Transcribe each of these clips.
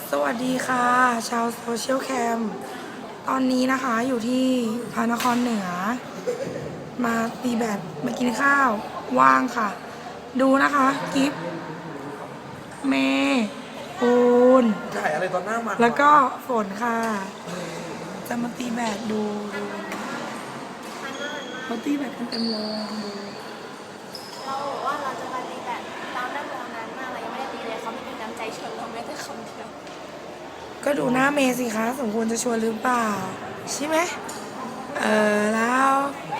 สวัสดีค่ะชาวโซเชียลแคมตอนนี้นะคะอยู่ที่พระนครเหนือ มาตีแบดมากินข้าวว่างค่ะ ดูนะคะกิฟเมย์ปูนถ่ายอะไรตอนหน้ามันแล้วก็ฝนค่ะ จะมาตีแบดดูเขาตีแบดกันเต็มเลยดูเราบอกว่าเราจะมาตีแบบเรานั่งรอนานมากเรายังไม่ได้ตีเลยเขาไม่มีน้ำใจชวนเราแม้แต่คำเดียวก็ดูหน้าเมย์สิคะสมควรจะชวนหรือเปล่า ใช่ไหมแล้ว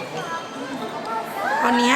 ตอนเนี้ย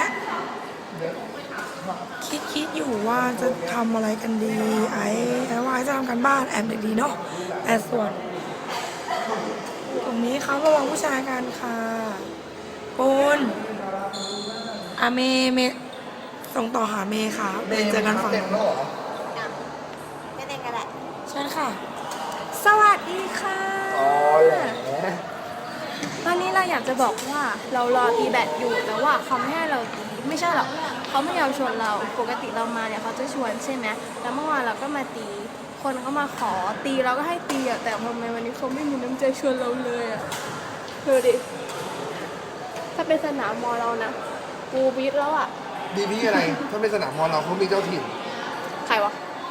คิดอยู่ว่าจะทำอะไรกันดีไอ้ว่าจะทำกันบ้านแอบเด็กดีเนาะแต่ส่วนตรงนี้เขาระวังผู้ชายกันค่ะปูนเมย์ส่งต่อหาเมย์ค่ะเมย์เจอกันฝั่งเต็มแล้วเหรอไม่เต้นกันแหละใช่ค่ะสวัสดีค่ะอ๋อแหละวันนี้เราอยากจะบอกว่าเรารอตีแบดอยู่แต่ว่าเขาไม่ให้เราตีไม่ใช่หรอกเขาไม่ยอมชวนเราปกติเรามาเนี่ยเขาจะชวนใช่ไหมแล้วเมื่อวานเราก็มาตีคนเขามาขอตีเราก็ให้ตีอ่ะแต่ทำไมวันนี้เขาไม่มีน้ำใจชวนเราเลยอ่ะดูดิถ้าเป็นสนามมอเรานะกูบีทแล้วอ่ะดีพี่อะไร ถ้าเป็นสนามมอลเราเขามีเจ้าถิ่นใครวะ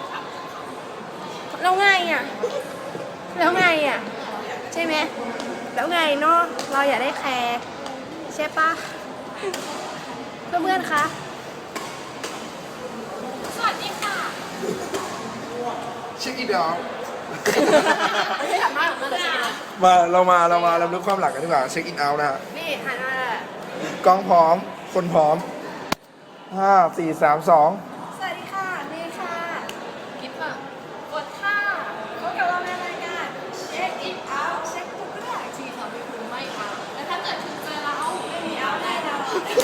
แล้วไงอ่ะแล้วไงอ่ะใช่ไหมแล้วไงเนาะเราอยากได้แคร์ใช่ปะเพื่อนๆคะสวัสดีค่ะเช็คอีดาวไม่ทำมากเลยเรามาลำลึกความหลังกันดีกว่าเช็คอินเอาท์นะฮะนี่หันมากล้องพร้อม คนพร้อม 5 4 3 2 สวัสดีค่ะนี่ค่ะกิ๊บอ่ะกดค่ะพบกับเราในรายการเช็คอินเอาท์เช็คทุกเรื่องที่เราไม่รู้ไม่เอาแต่ถ้าเกิดคุณเจอเราไม่มีเอาแน่นอน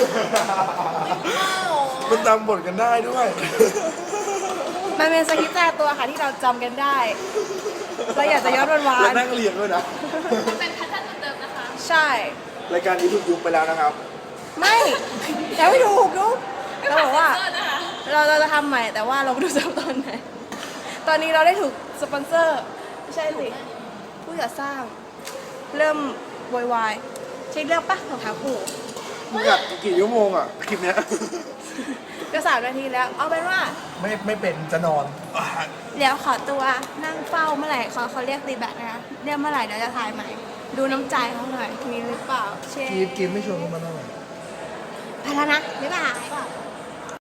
มันจำบทกันได้ด้วยมันเป็นสคริปต์แต่ตัวค่ะที่เราจำกันได้ เราอยากจะย้อนวันแล้วนั่งเรียงด้วยนะเป็นแพทเทิร์นเดิมนะคะ ใช่รายการนี้ถูกยุบไปแล้วนะครับไม่ยังไม่ถูกดูเราบอกว่าเราจะทำใหม่แต่ว่าเราไม่รู้จะตอนไหน ตอนนี้เราได้ถูกสปอนเซอร์ไม่ใช่สิผู้จัดสร้างเริ่มโวยวายใช่เรื่องปะของขาปู่มึงอัดกี่ชั่วโมงอ่ะ คลิปเนี้ยก็3 นาทีแล้ว เอาเป็นว่าไม่เป็นจะนอนเดี๋ยวขอตัวนั่งเฝ้าเมื่อไหร่เขาเรียกตีแบตนะคะเรียกเมื่อไหร่เดี๋ยวจะถ่ายใหม่ ดูน้ำใจเขาหน่อยมีหรือเปล่าเช่กีฟไม่ชวนกันมาหน่อยไปแล้วนะบ๊ายบาย